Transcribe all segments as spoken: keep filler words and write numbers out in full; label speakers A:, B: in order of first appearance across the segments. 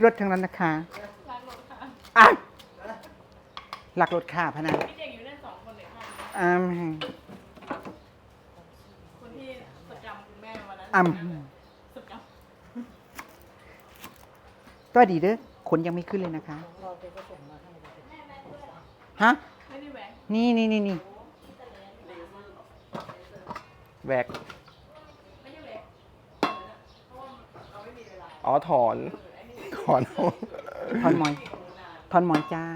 A: รถทั้งนั้นนะคะ
B: รักรถค่ะ
A: อ่ะหลักรถค่ะพนัน
B: พี่เก่งอยู่เล่นสองคนเลยค่ะ
A: อ่า
B: คนที่สกรรมคุณแม่วันนั้น
A: อ่า
B: สกรรม
A: ก็ดีเด้อขนยังไม่ขึ้นเลยนะคะฮะ
B: ไม่ได้แหวก
A: นี่นี่นี่นี่
C: แวก
B: ไม่ได้แหวกเพราะว่าเราไม่มีเวลา
C: อ๋อถอนถอน
A: ทอนหมอยทอนหมอยจ้า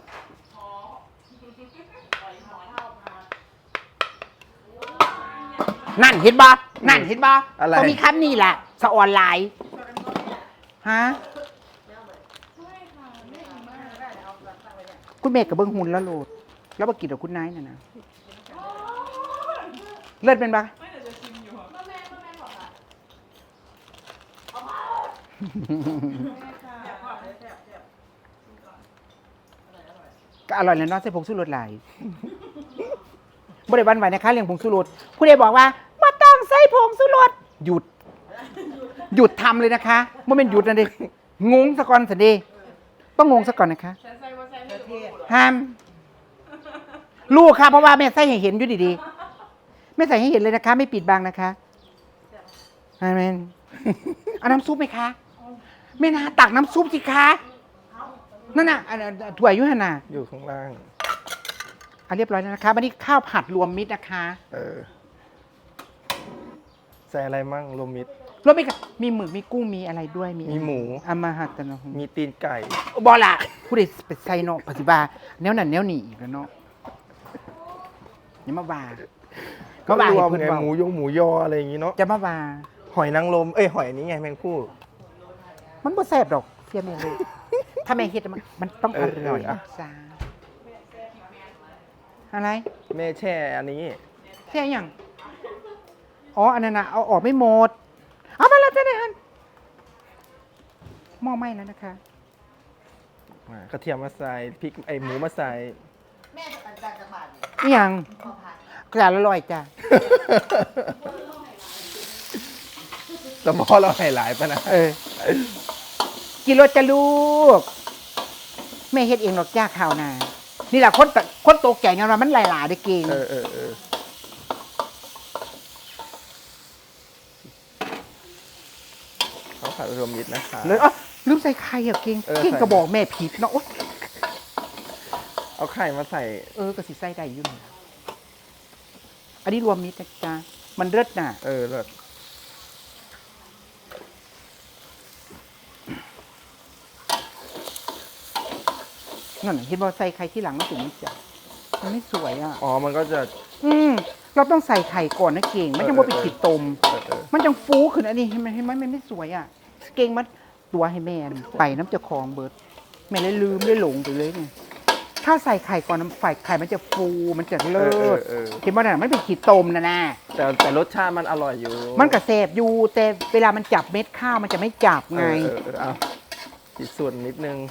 A: นั่นเห็นบ่นั่นเห็นบ่
C: อะไร
A: เขามีคำนี่แหละสะออนไลน์ฮะคุณเมฆกับเบิ้งหุ่นแล้วโหลดแล้วมากินกับคุณนายน่ะนะเลิศเป็นปะ
B: ไม่แต่จะชิมอยู่แม่แม่แม่บอกค่ะ
A: ก็อร่อยแล้วเนาะใส่ผงชูรสหลายบ่ได้วันไหวนะคะเรื่องผงชูรสผู้ใดบอกว่ามาต้องใส่ผงชูรสหยุด หยุดทำเลยนะคะไม่เป็นหยุดนะดิงงซะก่อนสิเดต้องงงซะก่อนนะคะ
B: ฉันใส่ว่าใส่ไม่ถูก
A: ห้ามลูกค่ะเพราะว่าแม่ใส่ให้เห็นอยู่ดีๆไม่ใส่ให้เห็นเลยนะคะ ไม่ปิดบังนะคะอาเมนเอาน้ำซุปไหมคะแม่นาตักน้ำซุปสิคะนั่นน่ะอันถั่วยุหนน่ะ
C: อยู่ข้างล่าง
A: อ่ะเรียบร้อยแล้วนะคะวันนี้ข้าวผัดรวมมิตรนะคะ
C: เออใส่อะไรมั่งรวมมิตร
A: รวมมิตรค่ะมีหมึกมีกุ้งมีอะไรด้วย
C: มีหมู
A: อามาหัตนะ
C: มีตีนไก่
A: บอละผู้ใดไปใส่เนาะปฏิบัติแนวนั้นแนวนี้อีกแล้วเนาะอย่ามาว่า
C: ก็
A: ว่าร
C: วม
A: ให้
C: ไง
A: เพิ่นเว้า
C: หมูยงหมูยออะไรอย่างงี้เนาะ
A: จะมาว่า
C: หอยนางรมเอ้ยหอยนี้ไงแมงผู้
A: มันบ่แซ่บดอกเสียแม่ลูกถ้าแม่เฮ็ดมันมันต้องอร่อย
C: เออเอออ่ะ
A: จ้าอะไร
C: แม่แช่อันนี้
A: แค่ยังอ๋ออันนั้นน่ะเอาออกไม่หมดเอามาแล้วจ้ะเนี่ยฮันหม้อไหม้แล้วนะคะ
C: กระเทียมมาใส่พริกไอหมูมาใส่
A: นี่ยังกระดาษละร้อยจ้ะ
C: สมอเราให้หลายปะนะ
A: เออกินรสจะลูกแม่เฮ็ดเองหรอกจ้าข้าวนานี่แหละคนตะคนโตแก่งานว่ามันหลายๆได้เก่ง
C: เออเออเออเขาผัดรวมมิตรนะคะ
A: เลยอ๋อลืมใส่ไข่อ่ะเก่ง
C: เออ
A: เก่ง
C: ใส่
A: ก็บอกแม่ผิดเนาะโอ๊ย
C: เอาไข่มาใส่
A: เออก็สิใส่ได้อยู่นี่อันนี้รวมมิตรนะจ๊ะมันเลิศน่ะ
C: เออเลิศ
A: นั่นน่ะเห็นบ่ใส่ไข่ที่หลังมันถึงนี่จ้ะมันไม่สวยอ่ะ
C: อ๋อมันก็จะ
A: อืมเราต้องใส่ไข่ก่อนนะเก่งมันจะบ่ไปขีดตม
C: เออเออ
A: มันจังฟูขึ้นอันนี้เห็นไหมเห็นไหมมันไม่สวยอ่ะ เก่งมันตัวให้แม่นไปน้ำเจะคลองเบิดแม่เลยลืมเลยหลงไปเลยไงถ้าใส่ไข่ก่อนน้ำไฟไข่มันจะฟูมันจะเลิ
C: เออ
A: ศ
C: เออ
A: เห็นบ่น่ะมันเป็นขีดตมนะนะ
C: แต่แต่รสชาติมันอร่อยอยู่
A: มันกระแสบอยู่แต่เวลามันจับเม็ดข้าวมันจะไม่จับไง
C: เออเออเออเอาอีกส่วนนิดนึง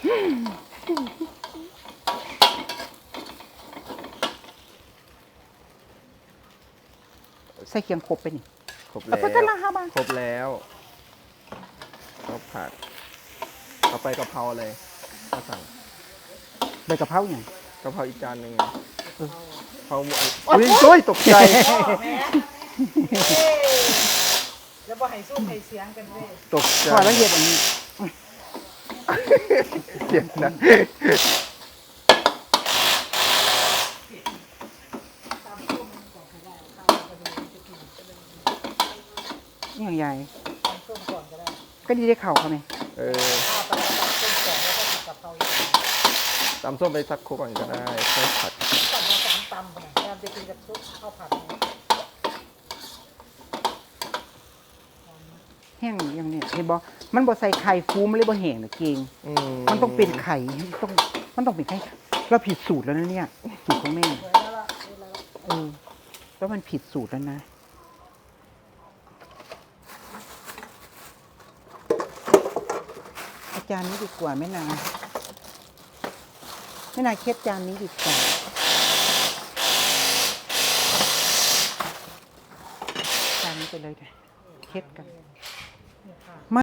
A: ใส่เคียงครบไปนี่
C: ครบ
A: เอา
C: แล้ว
A: ไปกันละห้าบาท
C: ครบแล้วข้าวผัดเอาไปกะเพราเลยมาสั่ง
A: ใบกะเพราอย่าง
C: กะเพราอีกจานหนึ่ง
A: เออ
C: กะเพราหมูอุ้ยโอ้ยตกใจ
D: แล้วบ่ให้สู้ให้เสียงกันเว้ย
C: ตกใจ
A: พอแล้วเห็ดอันนี้
C: เสียงดัง
A: นี่อย่างใหญ่
D: ส้มก่อนก็ได้
A: ก็ดีได้เข่าเขาไหม
C: เออ
D: ข้าวปลาตักส้มก่อนแล้วก็ติดกับเขาอีก
C: ตำส้มไปสักครู่ก่อนก็ได้ค่อยผัด
D: ตักมาสามตำนะพยายามจะกินกับซุปข้าวผัดเนี่ย
A: แห้งอย่างเนี้ยเห็นบ่มันบ่ใส่ไข่ฟูมันเลยบ่แห้งนะเก่ง
C: อื
A: มันต้องเป็นไข่ต้องมันต้องเป็นไข่เราผิดสูตรแล้วนะเนี่ยสูตรของแม่
D: สวยแล้วล่ะสวยแล้วล่ะ
A: เออแล้วมันผิดสูตรแล้วนะอาจารย์นี้ดีกว่าแม่นางแม่นางเคล็ดจานนี้ดีกว่าจานนี้ไปเลยเถอะเคล็ดกัน